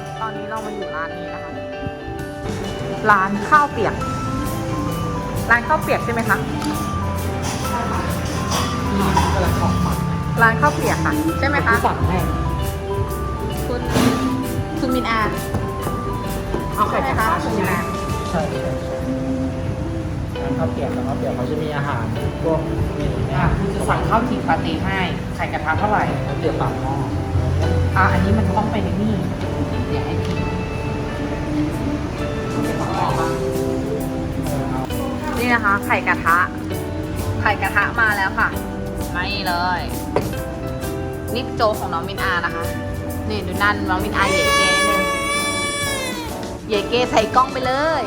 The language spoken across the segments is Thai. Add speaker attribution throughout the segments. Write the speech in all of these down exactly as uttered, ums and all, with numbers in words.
Speaker 1: ตอนนี้เรามาอยู่ร้านนี้นะคะ ร้านข้าวเปียก ร้านข้าวเปียกใช่ไหมคะร้านข้าวเปียกค่ะใช่ไหมคะ
Speaker 2: สั่งให้
Speaker 1: คุณคุณมินอา
Speaker 2: เอาไข่กระทะ
Speaker 1: คุณมินอา
Speaker 2: ใช่ใช่ใช่ร้านข้าวเปียกร้านข้าวเปียกเขาจะมีอาหารพวกนี่เนี่ยคุณจะสั่งข้าวจี่ปาเต้ให้ไข่กระทะเท่าไหร่ข้าวเปียกปากหม้ออ่ะอันนี้มันต้องไปในนี่เดี๋ยวให้พิมพ์ข้าวเปียกปากหม้อป่ะ
Speaker 1: นี่นะคะ ไข่กระทะ ไข่กระทะมาแล้วค่ะไม่เลยนี่โจของน้องมินอานะคะนี่ดูนั่นน้องมินอาเย่เก้นึงเย่เก้ใส่กล้องไปเลย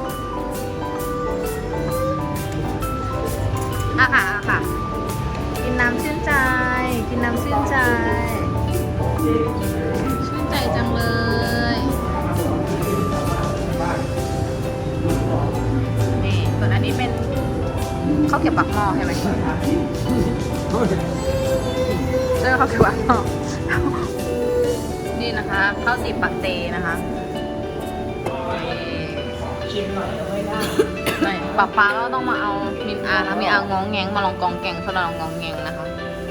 Speaker 1: อ่ะค่ะอ่ะค่ะกินน้ำชื่นใจกินน้ำชื่นใจชื่นใจจังเลยนี่ส่วนอันนี้เป็นข้าวเก็บปักหม้อใช่ไหมเออข้าวเก็บปักหม้อนี่นะคะข้าวจีบปาเต้นะคะ
Speaker 2: ชิมหน่อยไม่ได้
Speaker 1: ไม่ป๊าป๊าก็ต้องมาเอามินอานะมินอางองแงงมาลองกองแกงสลัดลองกองแงงนะคะ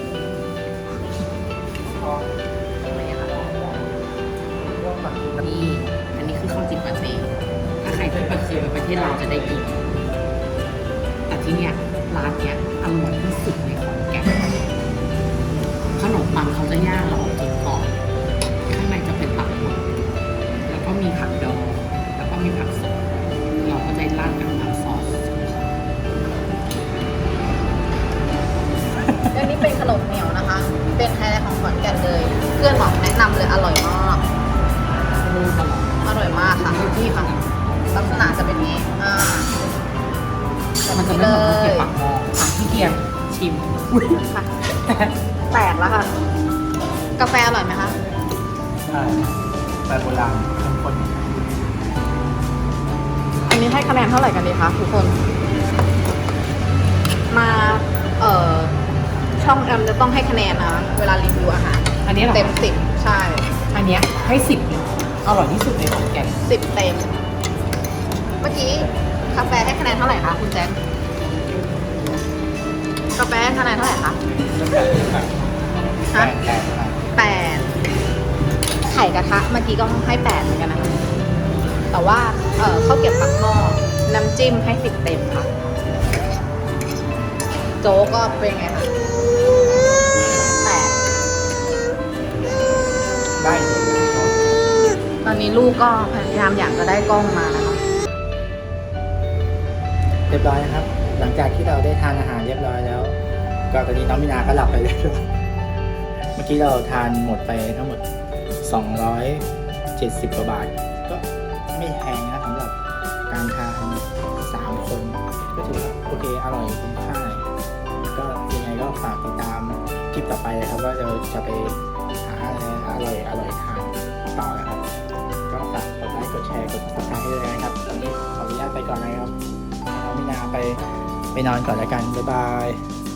Speaker 2: นี่อันนี้คือข้าวจีบปาเต้ถ้าใครที่ไปเคยไปประเทศลาวจะได้กินแต่ที่เนี้ยร้านเนี้ยอร่อยที่สุดในขอนแก่นขนมปังเขาจะย่างแล้วออกกินก่อนข้างในจะเป็นปักหมุดแล้วก็มีผักดองแล้วก็มีผักสดเราก็จะราดกับน้ำซอส
Speaker 1: อันนี้เป็นขนมเหนียวนะคะเป็นไฮไลท์ของขอนแก่นเลยเพื่อนบอกแนะนำเลยอร่อยมากอร่อยมากค่ะที่ค่ะลักษณะจะเป็นนี้อ่า
Speaker 2: มันจะไม่เหมือนข้าวเกรี๊ยวปากหม้อถามพี่เกียร์ชิม
Speaker 1: ค่ะแตกแล้วค่ะกาแฟอร่อยไหมคะ
Speaker 2: ใช่แต่โบราณเข้มข้น
Speaker 1: อันนี้ให้คะแนนเท่าไหร่กันดีคะทุกคนมาเอ่อช่องแอมจะต้องให้คะแนนนะเวลารีวิวอาหาร
Speaker 2: อันนี้
Speaker 1: เต็มสิบใช่
Speaker 2: อันนี้ให้สิบอร่อยที่สุดในขอนแก่น
Speaker 1: สิบเต็มเมื่อกี้กาแฟให้คะแนนเท่าไหร่คะคุณแจ็คกาแฟให้คะแนนเท่าไหร่คะฮะแปดไข่กระทะเมื่อกี้ก็ให้แปดเหมือนกันนะคะแต่ว่าเออข้าวเก็บปักหม้อน้ำจิ้มให้สิบเต็มค่ะโจ๊กก็เป็นไงคะแปด
Speaker 2: ได้
Speaker 1: ตอนนี้ลูกก็พยายามอยากจะได้กล้องมานะคะ
Speaker 2: เรียบร้อยนะครับหลังจากที่เราได้ทานอาหารเรียบร้อยแล้วก็ตอนนี้น้องมินาก็หลับไปเลยเมื่อกี้เราทานหมดไปทั้งหมดสองร้อยเจ็ดสิบกว่าบาทก็ไม่แพงนะสำหรับการทานสามคนก็ถือว่าโอเคอร่อยคุ้มค่าก็ยังไงก็ฝากติดตามคลิปต่อไปนะครับว่าเราจะไปหาอะไรอร่อยอร่อยทานต่อนะครับก็ฝากกดไลค์กดแชร์กดซับสไครต์ให้ด้วยนะครับตอนนี้ขออนุญาตไปก่อนนะครับน้องมินาไปไปนอนก่อนแล้วกันบ๊ายบาย